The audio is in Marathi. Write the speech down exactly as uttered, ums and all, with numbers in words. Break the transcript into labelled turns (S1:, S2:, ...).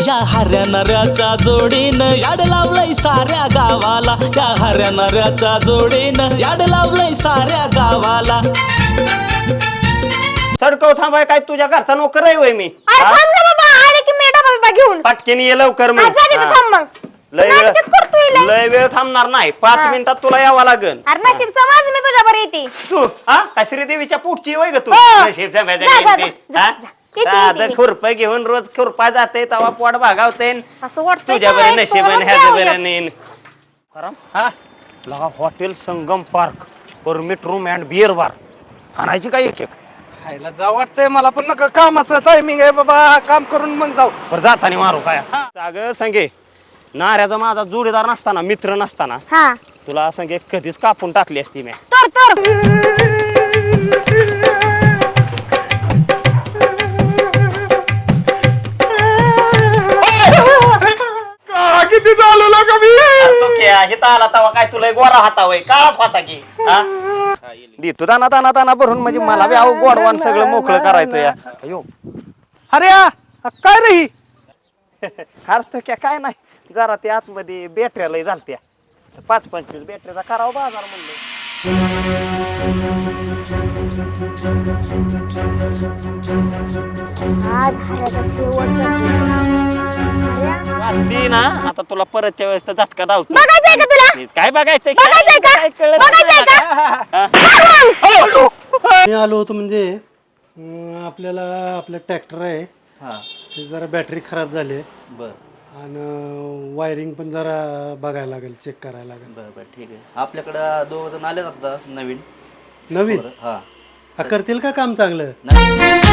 S1: या हऱ्या नऱ्याच्या जोडीनं याड लावलंय साऱ्या गावाला, या हऱ्या नऱ्याच्या जोडीनं याड लावलंय साऱ्या गावाला.
S2: सडकव थांबाय काय तुझ्या घरचा नोकर आहे वय मी
S3: अरे थांब ना बाबा, आले की मी डबा बिबा घेऊन
S2: पटकेन ये लवकर
S3: हा,
S2: मग
S3: जा तिथं थांब मग.
S2: लय वेळ
S3: नाटकच करतोय लय.
S2: लय वेळ थांबणार नाही पाच
S3: हा.
S2: मिनिटात तुला यावं लागन.
S3: अरे नशीब समज मी तुझ्या बरं येते.
S2: तू हा का श्रीदेवीच्या पोटची वय ग तू
S3: हो.
S2: नशीब
S3: जा,
S2: सांभाळायचं
S3: जा,
S2: काय ते,
S3: जा,
S2: हा?
S3: जा. येते,
S2: साधं
S3: येते.
S2: खुरपं घेऊन रोज खुरपा जाते तवा पोट भागावते
S3: असं वाटतं
S2: तुझ्या बरे नशीब ह्याचं बरं नेन हा लगा hotel Sangam park permit room and beer bar आणायची काय एक एक
S4: खायला जाऊ वाटतंय मला पण नका कामाचं टायमिंग आहे बाबा काम करून मग जाऊ
S2: बरं जाताना मारू काय अगं सांगे नाऱ्याचा माझा जोडीदार नसताना मित्र नसताना
S3: हा
S2: तुला सांगे कधीच कापून टाकली असती मी
S3: तर तर
S4: किती झालं ना कमी
S2: तू क्या हिता आला तवा काय तुला गोरा हाता वय काळाच होता की हा देतो दाना दाना दाना भरून म्हणजे मला बी अहो गोडवान सगळं मोकळं करायचं या अयो
S4: अरे आ, काय रे ही
S2: अरे तो क्या काय नाही जरा ते आतमध्ये बॅटऱ्या लय झालत्या पाच पंचवीस बॅटरीचा करावा बाजार म्हणलं
S3: आज हऱ्याचा शेवटचा दिवस. हऱ्या,
S2: वाटली ना आता तुला परतच्या वेळेस तर झटका धावतो
S3: बघायचंय का तुला?
S2: काय बघायचंय
S3: बघायचंय का?
S2: काय कळत
S3: बघायचंय
S2: नाही
S3: का?
S2: का?
S4: मी आलो होतो म्हणजे अं, आपल्याला आपलं ट्रॅक्टर आहे ते जरा बॅटरी खराब झाली आहे
S5: बर
S4: आणि वायरिंग पण जरा बघायला लागेल चेक करायला लागेल
S5: बर बर ठीक आहे आपल्याकडं दोघ जण आले आता नवीन
S4: नवीन
S5: हा
S4: हा, करतील का काम चांगलं
S5: नाही